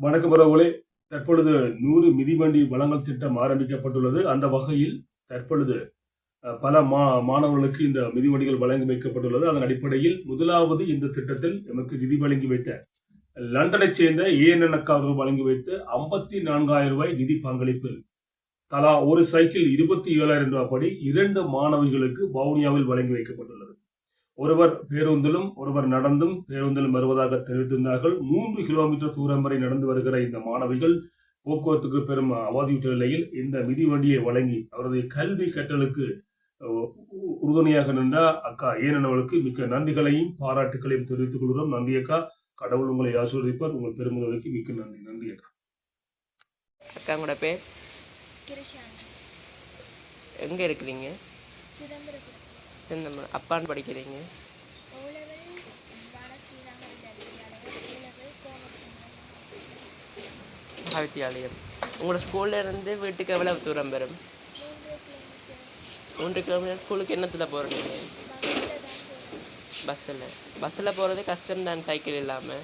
வணக்கம் உறவுகளே. தற்பொழுது 100 மிதிவண்டி வழங்கல் திட்டம் ஆரம்பிக்கப்பட்டுள்ளது. அந்த வகையில் தற்பொழுது பல மாணவர்களுக்கு இந்த மிதிவண்டிகள் வழங்கி வைக்கப்பட்டுள்ளது. அதன் அடிப்படையில் முதலாவது இந்த திட்டத்தில் எமக்கு நிதி வழங்கி வைத்த லண்டனைச் சேர்ந்த ஏஎன்என் அவர்கள் வழங்கி வைத்து 54,000 ரூபாய் நிதி பங்களிப்பில் தலா ஒரு சைக்கிள் 27,000 ரூபாய் படி 2 மாணவிகளுக்கு வவுனியாவில் வழங்கி வைக்கப்பட்டுள்ளது. ஒருவர் பேருந்திலும் ஒருவர் நடந்தும் பேருந்திலும் வருவதாக தெரிவித்திருந்தார்கள். 3 கிலோமீட்டர் தூரம் வரை நடந்து வருகிற இந்த மாணவிகள் போக்குவரத்துக்கு பெரும் அவதியுற்ற நிலையில் இந்த மிதிவண்டியை வழங்கி அவரது கல்வி கற்றலுக்கு உறுதுணையாக நின்ற அக்கா ஏனவளுக்கு மிக்க நன்றிகளையும் பாராட்டுகளையும் தெரிவித்துக் கொள்கிறோம். நன்றி அக்கா. கடவுள் உங்களை ஆசீர்வதிப்பார். உங்கள் பெருமுதலுக்கு மிக்க நன்றி. நன்றி அக்கா. அக்கா உங்களோட பேர்? எங்க இருக்கிறீங்க? அப்பான்னு படிக்கிறீங்க? வித்தியாலயம். உங்களோட ஸ்கூல்ல இருந்து வீட்டுக்கு எவ்வளவு தூரம் வரும்? 3 கிலோமீட்டர். ஸ்கூலுக்கு என்னத்தில் போகிறீங்க? பஸ்ஸில் போகிறது கஷ்டம்தான், சைக்கிள் இல்லாமல்.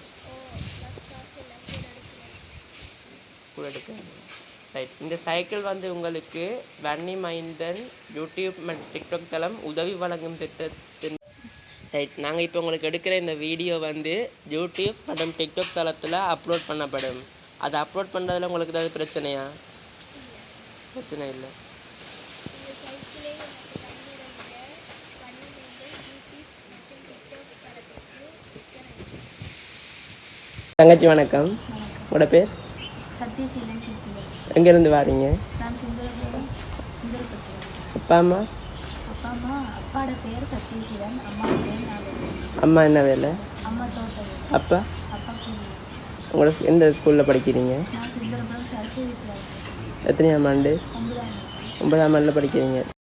கூட எடுக்க ரைட். இந்த சைக்கிள் வந்து உங்களுக்கு வன்னி மைந்தன் யூடியூப் மற்றும் டிக்டாக் தளம் உதவி வழங்கும் திட்டத்தின் ரைட். நாங்கள் இப்போ உங்களுக்கு எடுக்கிற இந்த வீடியோ வந்து யூடியூப் மற்றும் டிக்டாக் தளத்தில் அப்லோட் பண்ணப்படும். அதை அப்லோட் பண்ணுறதுல உங்களுக்கு ஏதாவது பிரச்சனையா? பிரச்சனை இல்லை. தங்கச்சி வணக்கம். உங்களோட பேர்? சத்யசீலன். எங்கேருந்து வாரீங்க? நான் அப்பா அம்மா? அப்பாவோட பேர் சத்யசீலன், அம்மாவோட பேர் நாகவேல். அம்மா என்ன வேலை? அம்மா தோட்டம். அப்பா? அப்பா கூலி. உங்களோட எந்த ஸ்கூலில் படிக்கிறீங்க? நான் சுந்தரபுரம் சரஸ்வதி வித்யாலயம். எத்தனையாம் ஆண்டு? 9ஆம் ஆண்டு. 9ஆம் ஆண்டில் படிக்கிறீங்க.